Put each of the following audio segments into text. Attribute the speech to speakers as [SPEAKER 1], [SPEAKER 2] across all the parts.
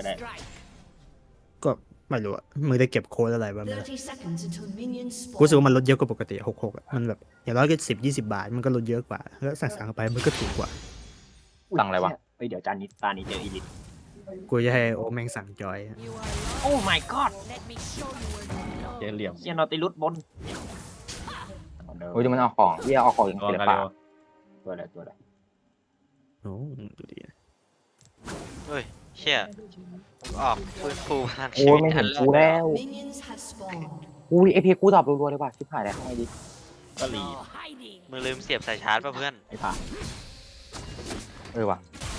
[SPEAKER 1] ได้
[SPEAKER 2] ก็ไม่รู้อะมึงได้เก็บโค้ดอะไรบ้างไหมล่ะ
[SPEAKER 3] 30 seconds until minions
[SPEAKER 2] กูรู้สึก
[SPEAKER 3] spawn.
[SPEAKER 2] ว่ามันลดเยอะกว่าปกติ66อะมันแบบอย่างน้อยก็10-20 บาทมันก็ลดเยอะกว่าแล้วสั่งๆไปมันก็ถูกกว่า
[SPEAKER 4] สั่งอะไรวะ
[SPEAKER 1] เฮ้ยเดี๋ยวจานนี้ตานี้เจออีลิท
[SPEAKER 2] กูจะให้โอแม่งสั่งจอยอะ
[SPEAKER 1] โอ้ my god
[SPEAKER 5] เจ๊เหลี่ยม
[SPEAKER 1] เชียนอติลุสบน
[SPEAKER 4] โอ้ยดูมันเอาของเยี่ยเอาของอย่าง
[SPEAKER 5] รอ
[SPEAKER 4] ศิล
[SPEAKER 5] กัน
[SPEAKER 4] ปะ
[SPEAKER 5] เร็ว
[SPEAKER 1] ตัวอะไรตัวอะไร
[SPEAKER 2] โอ้ดูดิ
[SPEAKER 6] เฮ้ยเชี่ยออกฟื้นฟูพลัง
[SPEAKER 4] โอ้
[SPEAKER 6] ชี
[SPEAKER 4] ย
[SPEAKER 6] วิต
[SPEAKER 4] ไม่
[SPEAKER 6] ทั
[SPEAKER 4] เห็
[SPEAKER 6] น
[SPEAKER 4] น
[SPEAKER 6] แล้
[SPEAKER 4] กู
[SPEAKER 6] ว
[SPEAKER 4] แล้ว
[SPEAKER 3] Minions have spawned.
[SPEAKER 4] อุ้ยเอพีกูตอบรัวๆเลยว่ะชิบหายแล้วทำไงดี
[SPEAKER 1] ก็รี
[SPEAKER 6] มึงลืมเสียบสายชาร์จป่ะเพื่อน
[SPEAKER 1] ไอ้ผ่า
[SPEAKER 4] ว่ะ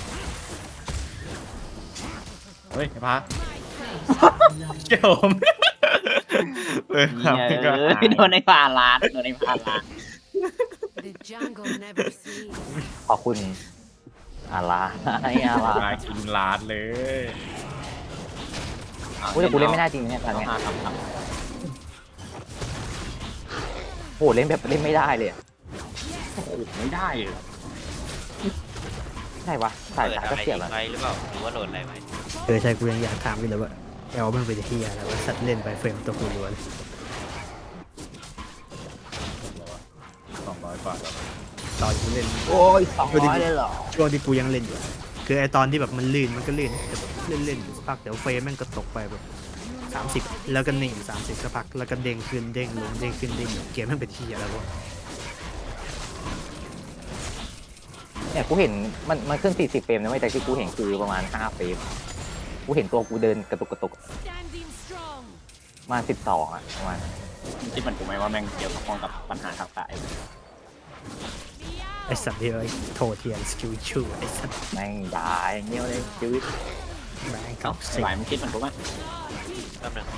[SPEAKER 5] เฮ้ยไอ้พระเกี่ยวผมเออ
[SPEAKER 1] เนี่ยโดนไอ้ผ่าล้านโดนไอ้ผ่าล้าน
[SPEAKER 7] The jungle never sleeps.
[SPEAKER 4] ขอบคุณอาลาไอ้อาลา
[SPEAKER 5] มากินลาดเลย
[SPEAKER 4] อุ้ยแต่กูเล่นไม่ได้จริงเนี่ยตอน
[SPEAKER 1] ต้อง
[SPEAKER 4] เนี้ย
[SPEAKER 1] หาทำ
[SPEAKER 4] โหเล่นแบบเล่นไม่ได้เลยอะ
[SPEAKER 1] โอ้โหไม่ได้เลย
[SPEAKER 4] ใช่ปะสาย
[SPEAKER 6] เปิด
[SPEAKER 4] ตา
[SPEAKER 6] อะ
[SPEAKER 4] ก็
[SPEAKER 6] ไร
[SPEAKER 4] เสียบ
[SPEAKER 6] ทิ้
[SPEAKER 4] แล้ว
[SPEAKER 6] งไว้หรือเปล่าหรือว่าโหลดอะไรไว้
[SPEAKER 2] ใช่กูยังอยากถามอยู่เลยว่าแอลมันเป็นเฮียอะไรว่าสัตว์เล่นไปเฟรมตัวกูล้วน
[SPEAKER 5] 200 กว่าแล้ว
[SPEAKER 2] ตอนกูเล่น
[SPEAKER 4] โอ้ย200เลยเหรอ
[SPEAKER 2] ช่วงที่กูยังเล่นอยู่อะคือไอตอนที่แบบมันลื่นมันก็ลื่นแต่แบบเล่นๆอยู่สักพักเดี๋ยวเฟรมแม่งก็ตกไปแบบ30แล้วก็นิ่ง30สักพักแล้วก็เด้งขึ้นเด้งลงเด้งขึ้นเด้งลงเกมแม่งเป็นเฮียอะไรวะ
[SPEAKER 4] เนี่ยกูเห็นมันขึ้น40เฟรมนะไม่แต่ที่กูเห็นคือประมาณ5เฟรมกูเห็นตัวกูเดินกระตุก
[SPEAKER 7] Standing strong.
[SPEAKER 4] ประมาณ12อ่ะประมาณ
[SPEAKER 1] คิดเหมือนกูไหมว่าแม่งเกี่ยวข้องกับปัญหาทางกาย
[SPEAKER 2] ไอสัตว์ที่ไอ้โทเทียนสกิลชูไอสัตว์
[SPEAKER 4] แม่งด่าอย่างเงี้ยเลยชีวิต
[SPEAKER 2] แม่ง
[SPEAKER 1] เอ้า
[SPEAKER 2] เก่า
[SPEAKER 1] ไอ้
[SPEAKER 2] สิ
[SPEAKER 1] หวายมึงคิดเหมือนกูไหม
[SPEAKER 6] แป๊บหนึง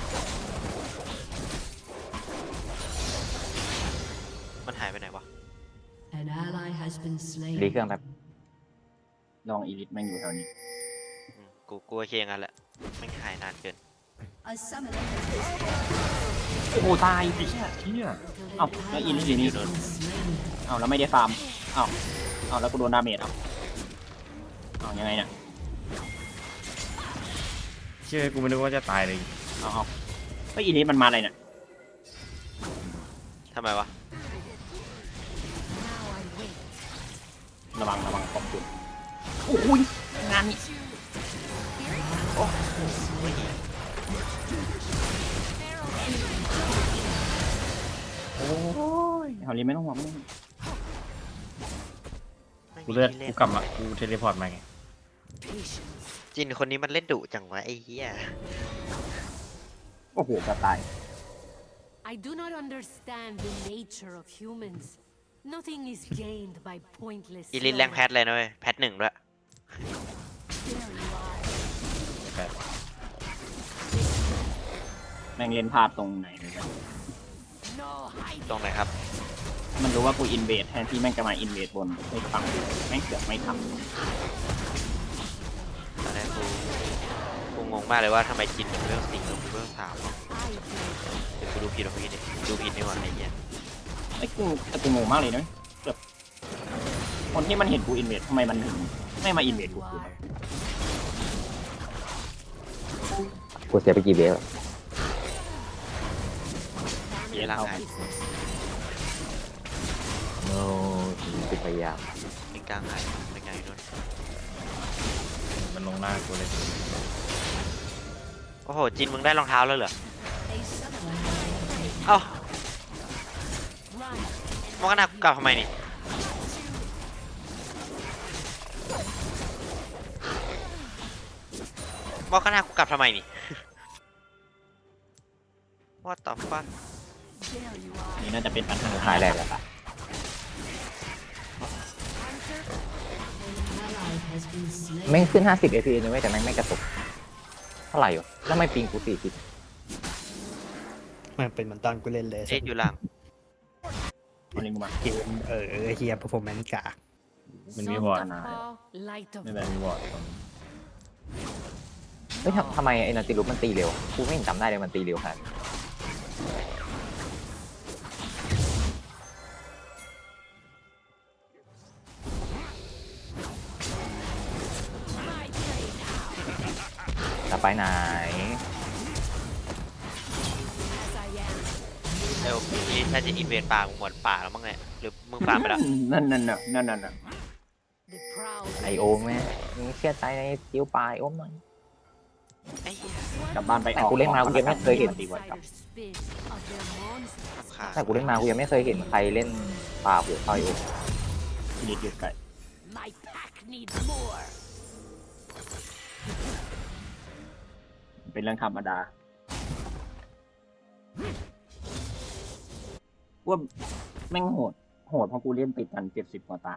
[SPEAKER 6] มันหายไปไหนวะ
[SPEAKER 3] An ally has been
[SPEAKER 4] รี
[SPEAKER 3] slain.
[SPEAKER 4] เครื่องแบบ
[SPEAKER 1] ลองอีลิทแม่งอยู่แถวนี้
[SPEAKER 6] กูโอเคงั้นแหละไม่งหายนานเกิน
[SPEAKER 3] A summoner has
[SPEAKER 1] โอ้ตายไอ้เชี่ยเชี่ยเอ้าแล้วอีลิทอยู่นี่
[SPEAKER 3] been slain.
[SPEAKER 1] เอ้าแล้วไม่ได้ฟาร์มเอ้าแล้วกูโดนดาเมจเอ้ายังไงเนี่ย
[SPEAKER 5] เชื่อกูไม่นึกว่าจะตายเลย
[SPEAKER 1] เอาเฮ้ยอีลิทมันมาอะไรเนี่ย
[SPEAKER 6] ทำไมวะ
[SPEAKER 1] ระวังขอบคุณโอ้ยงานนี้โอ้ยเฮาลีไม่ต้องห่วงไม่ต้องห่วง
[SPEAKER 6] ไม่
[SPEAKER 5] กู
[SPEAKER 6] มี
[SPEAKER 5] เลือด
[SPEAKER 6] ที่เล่
[SPEAKER 5] กู
[SPEAKER 6] น
[SPEAKER 5] กลับมากูเทเลพอร์ตมาไง
[SPEAKER 6] จินคนนี้มันเล่นดุจังวะไอ้เหี้ย
[SPEAKER 1] โอ้โหจะตาย
[SPEAKER 7] I do not understand the nature of humans. Nothing is gained by pointless.
[SPEAKER 6] อีลิทแรงแพทเลยนะเว้ยแพท1ด้วย
[SPEAKER 1] แม่งเล่นพลาดตรงไหนเลย
[SPEAKER 7] No hiding.
[SPEAKER 6] ตรงไหนครับ
[SPEAKER 1] มันรู้ว่ากูอินเวดแทนที่แม่งจะมาอินเวดบนไม่ฟังกูแม่งเสือกไม่ท
[SPEAKER 6] ตอนแรกกูงงมากเลยว่าทำไมจินถึงเรื่อง4แล้วกูเรื่อง3เนาะ
[SPEAKER 7] I do.
[SPEAKER 6] เดี๋ยวกูดูผิดดูผิดนี่หว่าไอ้เหี้ย
[SPEAKER 1] ำไอ้กูแต่กูงงมากเลยนะแบบคนที่มันเห็นกูอินเวดทำไมมันถึงไม่มาอินเวดกู
[SPEAKER 7] Why?
[SPEAKER 4] กูเสียไปกี่เวฟ
[SPEAKER 6] เหี้ยร่างกาย
[SPEAKER 4] โน้กูพยายาม
[SPEAKER 6] เป็นกลางหายเป็นไงนู่น
[SPEAKER 5] มันลงหน้ากูเลย
[SPEAKER 6] โอ้โหจินมึงได้รองเท้าแล้วเหรอ
[SPEAKER 3] A summoner has
[SPEAKER 6] เอ้า มองกันหน้ากูกลับทำไมนี่มองกันหน้ากูกลับทำไมนี่ What the fuck
[SPEAKER 7] There you are.
[SPEAKER 1] นี่น่าจะเป็นปัญหา
[SPEAKER 4] หายแรกแล้ว
[SPEAKER 3] an ally has been slain.
[SPEAKER 4] แม่งขึ้น50 fps นะเว้ยแต่แม่งไม่กระตุกเท่าไหร่วะแล้วไม่ปิงกู40
[SPEAKER 2] มันเป็นเหมือนตอนกูเล่นเลย
[SPEAKER 6] เอ็กอยู่หลัง
[SPEAKER 1] คนนี้กูมา
[SPEAKER 2] เกมเฮีย performance กาก
[SPEAKER 5] มันมีวอร์ด
[SPEAKER 7] Some call light of
[SPEAKER 1] ไม่เป็นไร
[SPEAKER 5] มีวอร์ดตรงนี้
[SPEAKER 4] เฮ้ยทำไมไอ้นาติลุมันตีเร็วกูไม่เห็นจำได้เลยมันตีเร็วขนาดนี้จะไปไหน
[SPEAKER 6] เดี๋ยวนี่น่าจะอินเวดป่ามึงหมดป่าแล้วมั้งเนี่ยหรือมึงฟาร์มไปแล้ว
[SPEAKER 1] นั่นน่ะนั่นน่ะ
[SPEAKER 7] The proud
[SPEAKER 4] ไอโอมแม่มึงเชื่อใจในจิ้วปลาไอโอมหน่อย
[SPEAKER 6] ไอ้เหี้ย
[SPEAKER 1] กลับบ้านไป
[SPEAKER 4] แต่กูเล่นมากูยังไม่เคยเห็น
[SPEAKER 1] ตีไว้ครับ
[SPEAKER 7] outsider spit of their monsters.
[SPEAKER 6] ขาด
[SPEAKER 4] แต่กูเล่นมากูยังไม่เคยเห็นใครเล่นปลาหัวเท่าไอโอม
[SPEAKER 1] ทีนี้หยุดไก่
[SPEAKER 7] My pack needs more.
[SPEAKER 1] เป็นเรื่องธรรมดาว่าแม่งโหดเพราะกูเล่นติดกัน70 กว่าตา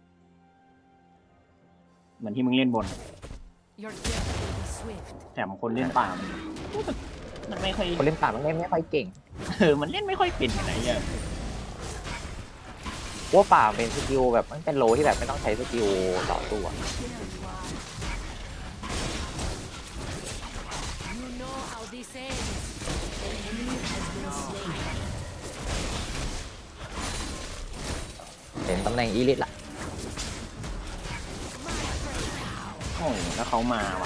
[SPEAKER 1] เหมือนที่มึงเล่นบน
[SPEAKER 7] Your death will be swift.
[SPEAKER 1] แถมคนเล่นป่ามันไม่ค่อย
[SPEAKER 4] คนเล่นปลามันเล่นไม่ค่อยเก่ง
[SPEAKER 1] มันเล่นไม่ค่อยเป็นอะไรอย่างเงี้ย
[SPEAKER 4] ว่าป่าเป็นสกิลแบบมันเป็นโลที่แบบไม่ต้องใช้สกิลต่อสู้อะ
[SPEAKER 7] You know how this ends.
[SPEAKER 4] เห็นตำแหน่งอีลิทละ
[SPEAKER 1] โอ้โหแล้วเขามาว่ะ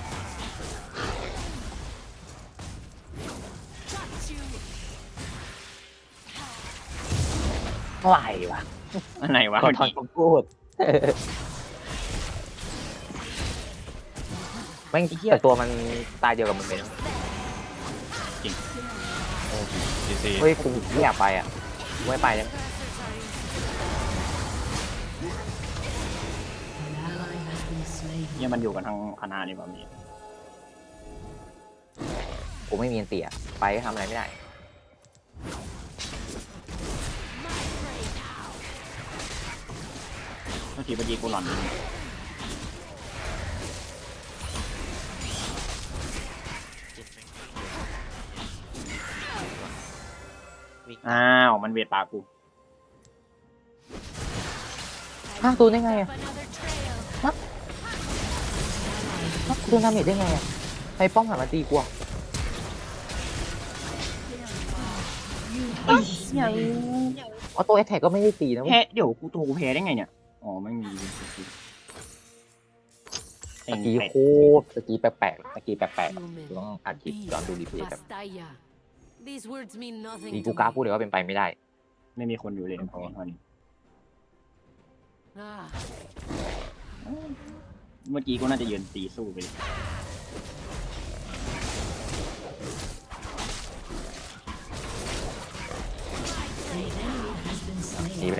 [SPEAKER 4] ไหววะ
[SPEAKER 1] อันไหนวะ
[SPEAKER 4] ขอ
[SPEAKER 1] เมื่อ
[SPEAKER 4] ถอน
[SPEAKER 1] กี้
[SPEAKER 4] คำพูดแม่งแต่ตัวมันตายเดียวกับมึงเลยนะ
[SPEAKER 5] ดีซี
[SPEAKER 4] เฮ้ยกูไม่อยากไปอ่ะกูไม่ไปแล้ว
[SPEAKER 3] An ally has been slain.
[SPEAKER 1] เนี่ยมันอยู่กันทั้งคณะนี่ป่ะมี
[SPEAKER 4] กูไม่มีอันเตียไปก็ทำอะไรไม่ได้
[SPEAKER 1] เมื่อกี้เมื่อกี้กูหลอน
[SPEAKER 6] วิ่ง
[SPEAKER 1] อ้าวมันเวทปากกู
[SPEAKER 4] ห้ามตูนได้ไงอ่ะ
[SPEAKER 7] Another trail.
[SPEAKER 4] ตูนทำเห็นได้ไงอ่ะไอ้ป้อมหันมาตีกูอ่ะ
[SPEAKER 1] ยัง
[SPEAKER 4] ออโต้แอทแทกก็ไม่ได้ตีนะเว้ย
[SPEAKER 1] แพ้เดี๋ยวกูตัวกูแพ้ได้ไงเนี่ยอ๋อไม่มีเอ
[SPEAKER 4] ตะ
[SPEAKER 1] ง
[SPEAKER 4] กี้
[SPEAKER 1] เป็ด
[SPEAKER 4] โคตรตะกี้แปลกๆตะกี้แปลกๆ
[SPEAKER 7] Human.
[SPEAKER 4] กูต้องอัดคลิปย้อนดูรีเพลย์แบบ
[SPEAKER 7] Bastaya. These words mean
[SPEAKER 4] ดี
[SPEAKER 7] nothing
[SPEAKER 4] กู
[SPEAKER 7] to
[SPEAKER 4] กล้า
[SPEAKER 7] me.
[SPEAKER 4] พูดเลยว่าเป็นไปไม่ได้
[SPEAKER 1] ไม่มีคนอยู่เลยเพราะว่านี้
[SPEAKER 7] Ah,
[SPEAKER 1] เมื่อกี้กูน่าจะยืนตีสู้ไปเลย
[SPEAKER 4] หนีไปเลย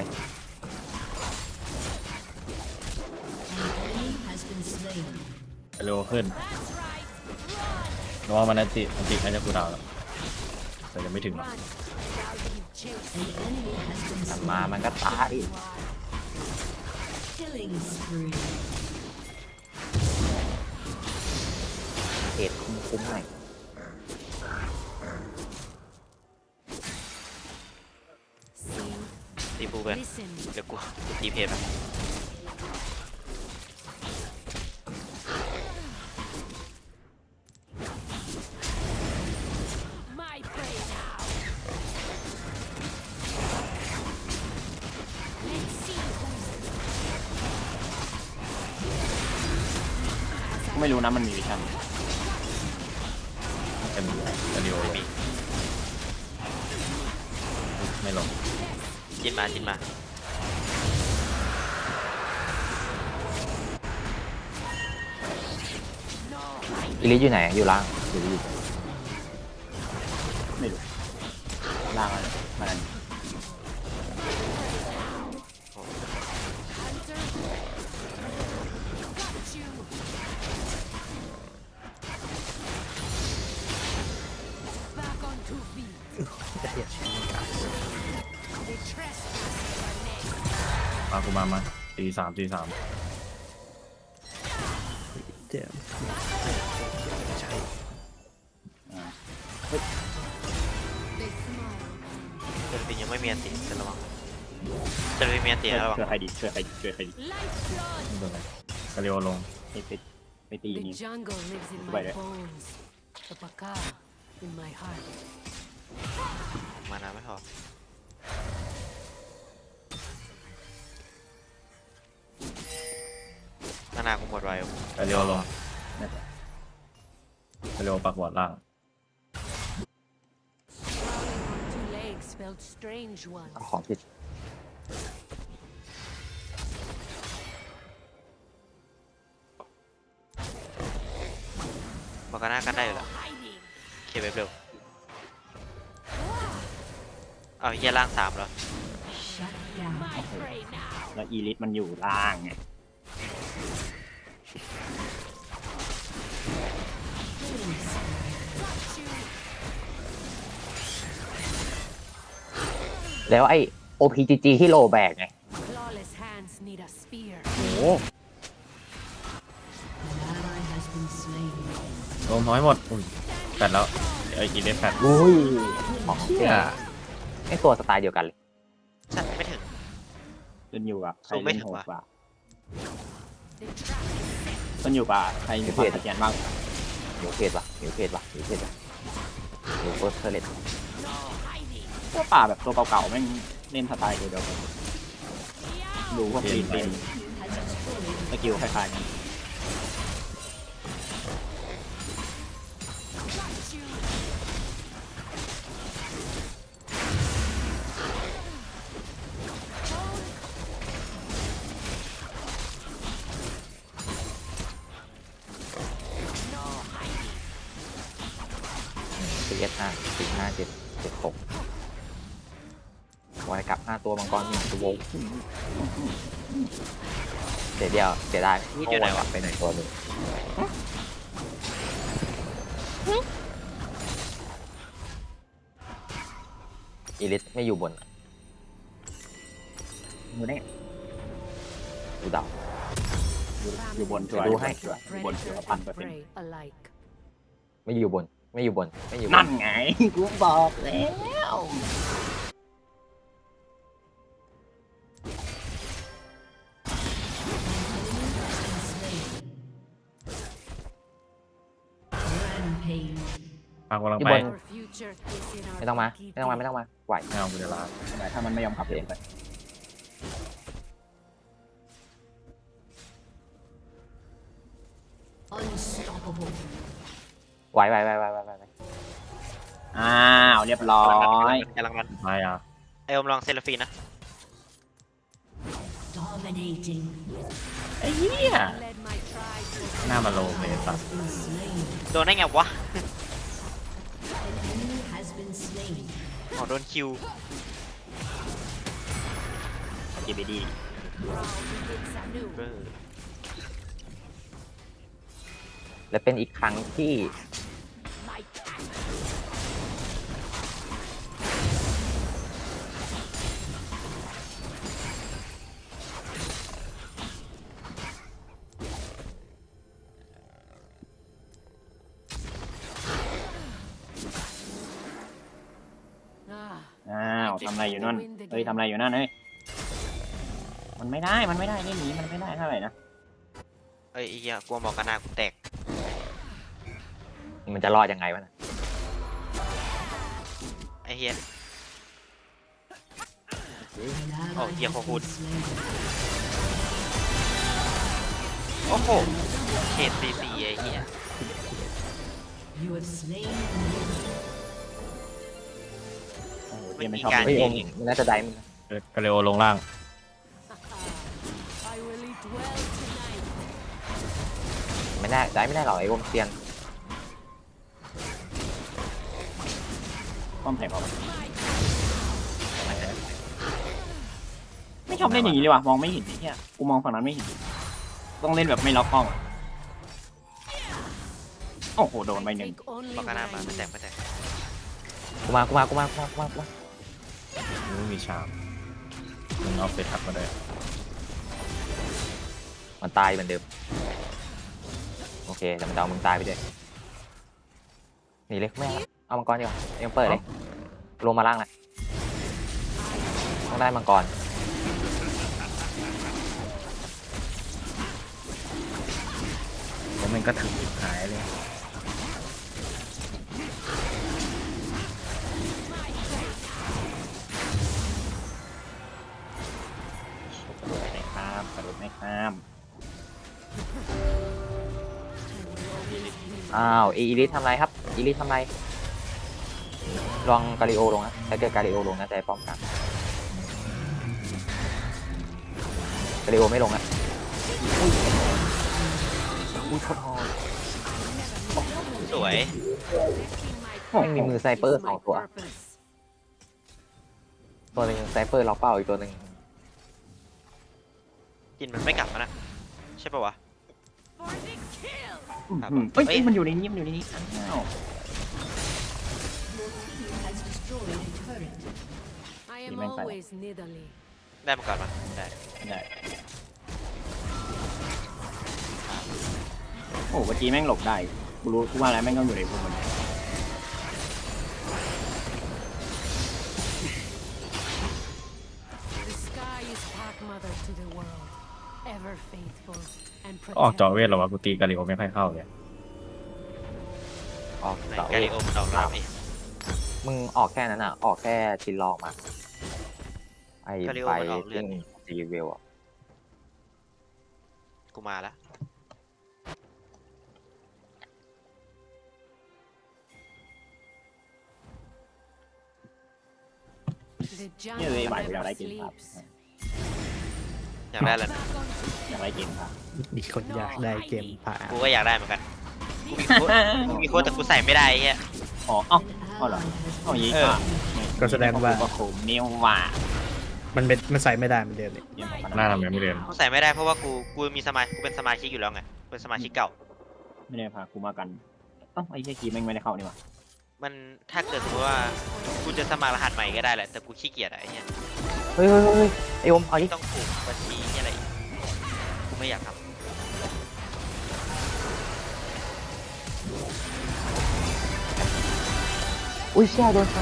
[SPEAKER 3] Enemy has been slain.
[SPEAKER 5] เร็วขึ้นเพราะว่ามันอันติน่าจะกูดาวแล้วแต่ยังไม่ถึงหรอก
[SPEAKER 7] run. Shall we chase?
[SPEAKER 3] An enemy has been
[SPEAKER 4] มัน
[SPEAKER 3] slain.
[SPEAKER 4] มามันก็ตาย
[SPEAKER 3] Killing spree.
[SPEAKER 4] เหตุคุ้มๆหน่อย
[SPEAKER 7] See,
[SPEAKER 6] ตีปูไป
[SPEAKER 7] listen.
[SPEAKER 6] เดี๋ยวกูตีเพจไป
[SPEAKER 7] My prey now. Let's see who's
[SPEAKER 1] กูไม่รู้นะมันมีวิชั่น
[SPEAKER 5] เป็นอันเดียวลงไม่ลง
[SPEAKER 6] จินมาจินมา
[SPEAKER 4] อีลิทอยู่ไหนอยู่ล่างอยู่ดี
[SPEAKER 1] ไม่รู้ล่างอะไรมันอันนี้
[SPEAKER 7] hunter. Got you. 'Back on 2 feet.
[SPEAKER 2] จะเหี้ยชิ้นนี้กัน
[SPEAKER 7] The trespassers are next.
[SPEAKER 5] มากูมาตีสาม
[SPEAKER 2] เจ็บใช่
[SPEAKER 7] They smile.
[SPEAKER 6] เซอร์ฟินยังไม่มีอันติจะระวังเซอร์ฟินมีอันติแล้วระวัง
[SPEAKER 1] ช่วยใครดีช่วยใครดี
[SPEAKER 7] Lifeblood.
[SPEAKER 5] ไม่เป็นไรกระเดียวลง
[SPEAKER 1] ไปตี
[SPEAKER 7] The
[SPEAKER 1] นี่
[SPEAKER 7] jungle lives in
[SPEAKER 1] Wait.
[SPEAKER 7] my bones. The Paka in my heart.
[SPEAKER 6] มานาไม่พอมานากูหมดไว
[SPEAKER 5] กระเดียวลงเร็วปักบอดล่าง
[SPEAKER 7] Two legs felt strange once.
[SPEAKER 4] เอาของผิด
[SPEAKER 6] บอกกันหน้ากันได้อยู่แล้ว
[SPEAKER 7] Hiding.
[SPEAKER 6] เคลียร์เว็บเร็วเอาเฮียล่าง3แล้ว
[SPEAKER 3] Shut down.
[SPEAKER 7] My prey now.
[SPEAKER 1] แล้วอีลิทมันอยู่ล่างไง
[SPEAKER 4] แล้วไอ้ OPGG ที่โลแบกไง
[SPEAKER 7] Clawless hands need a spear.
[SPEAKER 5] โอ้โห
[SPEAKER 3] An ally has been slain.
[SPEAKER 5] โดนน้อยหมดอุ้ยแฟดแล้วไอ้อีเลฟแฟด
[SPEAKER 4] อุ้ยของเจ๊ไอ้ตัวสไตล์เดียวกันเลย
[SPEAKER 6] ใช่ไม่ถึง
[SPEAKER 1] ขึ้นอยู่กับใคร
[SPEAKER 6] สู้ไม่
[SPEAKER 1] เล่น
[SPEAKER 6] ถึง
[SPEAKER 1] โหด
[SPEAKER 6] ว่ะ
[SPEAKER 1] กว่า
[SPEAKER 7] The trap is set.
[SPEAKER 1] ขึ้นอยู่กับใครมีความสแกนบ้าง
[SPEAKER 4] เดี๋ยวเพจว่ะเดี๋ยวเพจว่ะเดี๋ยวเพจว่ะเดี๋ยวเฟิร์สเทเลต
[SPEAKER 7] No hiding.
[SPEAKER 1] ตัวป่าแบบตัวเก่าๆแม่งเล่นสไตล์เดียวกันดูพวกปีนเป็นสกิลคล้ายๆกัน
[SPEAKER 7] Got you.
[SPEAKER 4] 4S5 45776วายกลับ5ตัวมังกร1ตัวเสียเดียวเสียได้
[SPEAKER 6] นี่อยู่ไหนวะ
[SPEAKER 4] ไปไหนตัวหนึ่งอีลิสไม่อยู่บน
[SPEAKER 1] ดูได้ไง
[SPEAKER 4] ดูเดา
[SPEAKER 1] อยู่บนชัวร์
[SPEAKER 4] ดูให้
[SPEAKER 1] อยู่บนชัว
[SPEAKER 7] Predator
[SPEAKER 1] ร์พัน
[SPEAKER 7] and
[SPEAKER 1] เปอร์เซ็นต์
[SPEAKER 7] prey alike.
[SPEAKER 4] ไม่อยู่บนไม่อยู่บนไม่อยู่บ
[SPEAKER 1] นั่
[SPEAKER 4] น
[SPEAKER 1] นไง กูบอกแล้ว
[SPEAKER 3] Rampage.
[SPEAKER 5] ปักกำลัง
[SPEAKER 4] อยู่
[SPEAKER 5] ไป
[SPEAKER 4] บน
[SPEAKER 7] Our future is in our
[SPEAKER 4] ไม่ต้องมา
[SPEAKER 7] Kiki.
[SPEAKER 4] ไม่ต้องมาไม่ต้องมาไหว
[SPEAKER 5] ไม่เอากูจะลา
[SPEAKER 1] ทำไมถ้ามันไม่ยอมขับเองไป
[SPEAKER 3] Unstoppable.
[SPEAKER 4] ไหว
[SPEAKER 1] อ้าวเรียบร้อย
[SPEAKER 6] กำลังมัน
[SPEAKER 5] ไม่อ่ะ
[SPEAKER 6] ไออมลองเซลฟีนะ
[SPEAKER 3] Dominating.
[SPEAKER 5] ไอ้เหี้ย
[SPEAKER 7] Led my tribe to
[SPEAKER 5] หน้ามาโลเลยสัตว์
[SPEAKER 3] Been slain.
[SPEAKER 6] โดนได้ไงวะ
[SPEAKER 3] An enemy has been slain.
[SPEAKER 6] อ๋อโดนคิว
[SPEAKER 1] จีบีดี
[SPEAKER 7] prowl begins anew.
[SPEAKER 6] เออ
[SPEAKER 4] และเป็นอีกครั้งที่
[SPEAKER 7] My pack.
[SPEAKER 1] อ้าวทำอะไรอยู่นั่นเฮ้ยทำอะไรอยู่นั่นเฮ้ยมันไม่ได้นี่หนีมันไม่ได้เท่าไหร่นะ
[SPEAKER 6] เอ้ยไอ้เฮียกลัวบอกกันหน้ากูแตก
[SPEAKER 4] มันจะรอดยังไงวะนะ
[SPEAKER 6] ไอ้เฮีย
[SPEAKER 3] An ally
[SPEAKER 6] Oh, yeah,
[SPEAKER 3] has
[SPEAKER 6] hold.
[SPEAKER 3] been slain.
[SPEAKER 6] โอ้โหเขตซีซีไอ้เฮีย
[SPEAKER 3] You have slain an enemy.
[SPEAKER 1] โอ้โหเกมไม่ชอบ
[SPEAKER 6] ไม่
[SPEAKER 1] เล่
[SPEAKER 6] มี
[SPEAKER 1] น
[SPEAKER 6] การ
[SPEAKER 1] เอง
[SPEAKER 4] มันน่าจะได้มันนะ
[SPEAKER 5] กาเลโอลงล่าง
[SPEAKER 7] I will eat well tonight.
[SPEAKER 4] ไม่ได้หรอกไอ้วงเซียน
[SPEAKER 1] ป้อมแข่งเขาไม่ชอบเล่นอย่างนี้เลยว่ะมองไม่เห็นไอ้เหี้ยกูมองฝั่งนั้นไม่เห็นต้องเล่นแบบไม่ล็อกกล้องโอ้โหโดนไป
[SPEAKER 7] I
[SPEAKER 1] หนึ่ง
[SPEAKER 7] take only
[SPEAKER 6] บอกกันหน้า
[SPEAKER 7] what
[SPEAKER 6] มา
[SPEAKER 7] I
[SPEAKER 6] ไม่แตก
[SPEAKER 7] need.
[SPEAKER 6] ไม่แตก
[SPEAKER 4] กูมา
[SPEAKER 5] ไม่มีชามมึงเอาเฟทับมาเลย
[SPEAKER 4] มันตายเหมือนเดิมโอเคแต่มันจะเอามึงตายไปด้วยหนีเลยไม่เอามังกรดีกว่ายังเปิดเลยลงมาล่างแหละต้องได้มังกร
[SPEAKER 5] แล้วมันก็ถึงจุดหายเลย
[SPEAKER 1] กระโดดไม่ข้าม
[SPEAKER 5] ไป
[SPEAKER 4] อ้าวอีลิททำไรครับอีลิททำไรลองกาลิโอลงนะถ้าเกิดกาลิโอลงนะจะป้อมกันกาลิโอไม่ลงนะอุ้ยโคตรฮอ
[SPEAKER 6] สวย
[SPEAKER 4] ไม่มีมือไซเปอร์2 ตัวตัวหนึ่งไซเปอร์ล็อกเป้าอีกตัวหนึ่ง
[SPEAKER 6] กินมันไม่กลับมานะใช่ปะวะ ครับ
[SPEAKER 1] เฮ้ย
[SPEAKER 6] เอ้ย
[SPEAKER 1] มันอยู่ในนี้มันอยู่ในนี้อ้าว
[SPEAKER 3] Has destroyed a turret.
[SPEAKER 7] I am
[SPEAKER 1] Even better.
[SPEAKER 7] always niddly.
[SPEAKER 6] ได้มาก่อนมาได้
[SPEAKER 1] ได้โอ้เมื่อกี้แม่งหลบได้กูรู้กูว่าแล้วแม่งต้องอยู่ในพวกมัน
[SPEAKER 7] The sky is pack mother to the world, ever faithful and
[SPEAKER 5] ออกจอ
[SPEAKER 7] protective.
[SPEAKER 5] เวทหรอวะกูตีกาลิโอไม่ค่อยเข้าเลย
[SPEAKER 4] ออก
[SPEAKER 6] ไหน
[SPEAKER 4] เสา
[SPEAKER 6] การิโอมันออกแล้วนี่
[SPEAKER 4] มึงออกแค่นั้นอ่ะออกแค่ชิ้นลองมาไอ้
[SPEAKER 6] กาลิโอ
[SPEAKER 4] ไฟ
[SPEAKER 6] มันออกเลือ
[SPEAKER 4] ติ้
[SPEAKER 6] ด
[SPEAKER 4] ง
[SPEAKER 6] นี่
[SPEAKER 4] ซีเวลอ่ะ
[SPEAKER 6] กูมาละ
[SPEAKER 7] The
[SPEAKER 1] เนี่ยเลย
[SPEAKER 7] jungle
[SPEAKER 1] ไหวอยาก
[SPEAKER 7] never
[SPEAKER 1] ได้เกมครับ
[SPEAKER 7] sleeps.
[SPEAKER 6] อยากได้แล้วนะ
[SPEAKER 1] อยากได้เกมครับ
[SPEAKER 2] มีคนอยากได้เกมผ่า
[SPEAKER 6] กูก็อยากได้เหมือนกันกูมีโค้ดแต่กูใส่ไม่ได้ไอ้เหี้ย
[SPEAKER 1] อ๋อเอ้า
[SPEAKER 3] An
[SPEAKER 1] Hold on.
[SPEAKER 3] ally has
[SPEAKER 1] เอาอย่างนี้
[SPEAKER 6] เออ
[SPEAKER 1] ก็
[SPEAKER 2] ก็แสดงว่า
[SPEAKER 1] ก็โคมนิ้วว่า
[SPEAKER 2] มันใส่ไม่ได้เหมือนเดิมเลย
[SPEAKER 1] เนี่ยมัน
[SPEAKER 5] หน้าทำไมไม่เดิน
[SPEAKER 6] กูใส่ไม่ได้เพราะว่ากูมีกูเป็นสมาชิกอยู่แล้วไงเป็นสมาชิกเก่า
[SPEAKER 1] ไม่ได้พากูมากันเอ้าไอ้เหี้ยกีแม่งไม่ได้เข้านี่หว่า
[SPEAKER 6] มันถ้าเกิดสมมติว่ากูจะสมัครรหัสใหม่ก็ได้แหละแต่กูขี้เกียจอะไอ้เหี้ย
[SPEAKER 4] เฮ้ยเฮ้ยเฮ้ยไอ้อมเอาดิ
[SPEAKER 6] ต้องผูกบัญชีนี่อะไรอีกกูไม่อยากทำ
[SPEAKER 4] อุ้ยเชี่ยโดนช้าง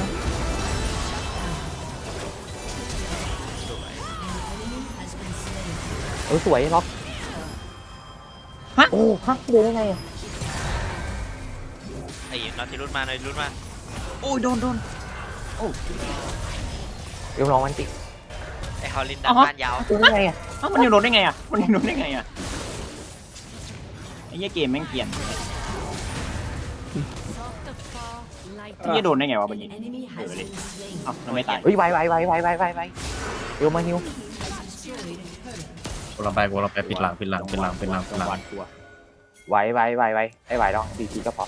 [SPEAKER 6] สวย
[SPEAKER 3] has been slain.
[SPEAKER 4] สวยล็อกฮะโอ้ฮะเดินได้ไงอ่ะ
[SPEAKER 6] ไอ้นอติรุสมาหน่อยรุสมา
[SPEAKER 1] โอ้ยโดนโอ้
[SPEAKER 4] เดี๋ยวลองมันติ
[SPEAKER 6] ไอ้ฮอลลินดันบ้านยาว
[SPEAKER 4] เดินได้ไงอ่ะ
[SPEAKER 1] เอ้ามันยังโดนได้ไงอ่ะมันยังโดนได้ไงอ่ะไอ้เหี้ยเกมแม่งเกลียน
[SPEAKER 7] Soft of fall, light
[SPEAKER 1] ไอ้เหี้ยโดนได้ไงวะเมื่อ
[SPEAKER 3] An
[SPEAKER 1] กี้
[SPEAKER 3] enemy
[SPEAKER 1] เออ
[SPEAKER 3] has
[SPEAKER 1] เลย
[SPEAKER 3] been slain.
[SPEAKER 1] เอ้าเราไม่ตาย
[SPEAKER 4] เฮ้ยไวเดี๋ยวมาฮิว
[SPEAKER 3] Has destroyed a turret.
[SPEAKER 5] กูลองไปปิดหลัง
[SPEAKER 1] หวาดกลัว
[SPEAKER 4] ไวไอ้ไวต้องดีทีก็พอ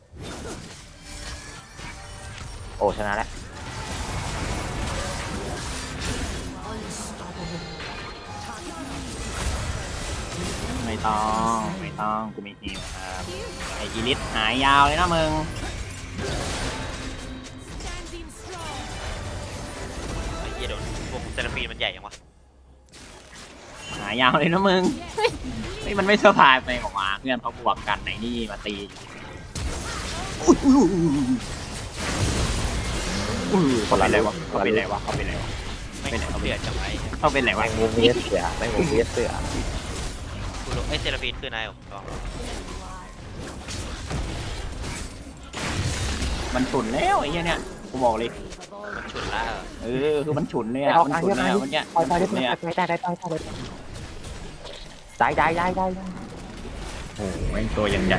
[SPEAKER 4] โอ้ชนะแล้ว
[SPEAKER 3] Unstoppable.
[SPEAKER 1] ไม่ต้องกูมีฮิวครับไอ้อีลิทหายยาวเลยนะมึง
[SPEAKER 7] standing strong.
[SPEAKER 6] ไอ้เหี้ยโดนพวกเซราฟีนมันใหญ่ยังวะ
[SPEAKER 1] หายาวเลยนะมึงเฮ้ยมันไม่เซอร์ไพรส์ไปออกมาเพื่อนเขาบวกกันไหนนี่มาตีเขาเป็นไรวะเขาเป็นไรวะเขาเป็นไรวะ
[SPEAKER 6] ไม่
[SPEAKER 1] เป็นไร
[SPEAKER 6] เดือดจังไว้
[SPEAKER 1] เขาเป็นไร
[SPEAKER 4] แม
[SPEAKER 1] วะ
[SPEAKER 4] งมุมเวียเสือแมงมุมเวียเสือ
[SPEAKER 6] กูรู้ไอ้เซราฟีนคือนายลอง
[SPEAKER 1] มันฉุนแล้วไอ้เหี้ยเนี่ยกูบอกเลย
[SPEAKER 6] มันฉุดละ
[SPEAKER 1] คือมันฉุนเลย
[SPEAKER 4] ไอ้
[SPEAKER 1] อ่ะ
[SPEAKER 4] ออก
[SPEAKER 1] มัน
[SPEAKER 4] ทาง
[SPEAKER 1] ฉุ
[SPEAKER 4] เย
[SPEAKER 1] น
[SPEAKER 4] อะ
[SPEAKER 1] เลย
[SPEAKER 4] มา
[SPEAKER 1] อ่ะมันเนี่ย
[SPEAKER 4] ปล่อย
[SPEAKER 1] มันฉุนเลยอ่ะ
[SPEAKER 4] ได้
[SPEAKER 5] โอ้โหแม่งตัวยังใหญ่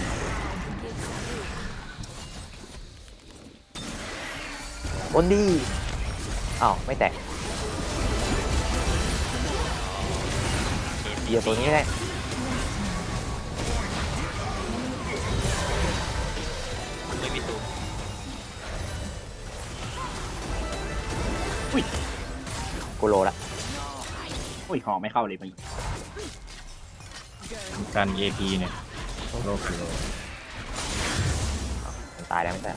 [SPEAKER 4] บนดีอ้าวไม่แตกเดี๋ยวตัวนี้ได้
[SPEAKER 6] ไม่มีตูม
[SPEAKER 4] กูโลละ
[SPEAKER 1] โอ้ยหอกไม่เข้าเลยมัน
[SPEAKER 5] การ AP เนี่ยโลกกิโล
[SPEAKER 4] มันตายแล้วไม่ใช่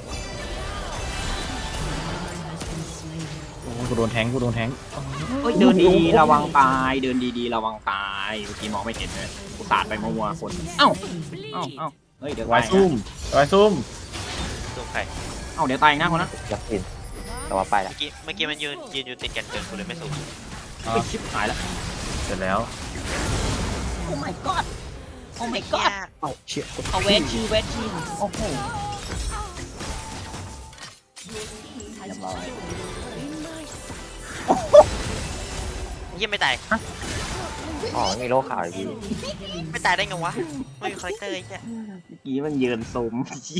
[SPEAKER 5] โอ้กูโดนแทงกูโดนแทง
[SPEAKER 1] เฮ้ยเดินดีๆระวังตายเดินดีๆระวังตายเมื่อกี้มองไม่เห็นเลยกูสาดไปมัวๆคนเอ้าเฮ้ยเดี๋ยว
[SPEAKER 5] วา
[SPEAKER 1] ตาย ย
[SPEAKER 5] ซุ่มวายซุ่ม
[SPEAKER 6] ตูมใคร
[SPEAKER 1] เอ้าเดี๋ยวตายนะคนนะ
[SPEAKER 4] ยักษ์กินแต่ว่าไปละ
[SPEAKER 6] เมื่อกี้มันยืนอยู่ติดกันเกินกูเลยไม่สูง
[SPEAKER 1] เฮ้ยชิบหายแล้ว
[SPEAKER 5] เสร็จแล้ว
[SPEAKER 1] โอ้ my god โอ้ my
[SPEAKER 6] เหี้
[SPEAKER 1] god
[SPEAKER 6] ย
[SPEAKER 2] เอาเชี่ย
[SPEAKER 1] เอาเวชีโอ้โห
[SPEAKER 3] Has
[SPEAKER 1] Nhầm rồi.
[SPEAKER 3] destroyed a turret.
[SPEAKER 6] เหี้ยไม่ตาย
[SPEAKER 4] อ๋อไม่มีโลกขาวอีกที
[SPEAKER 6] ไม่ตายได้ไงวะ ไม่มีคาแรคเตอร์ไอ้เหี้ย
[SPEAKER 1] เมื่อกี้มันยืนซุม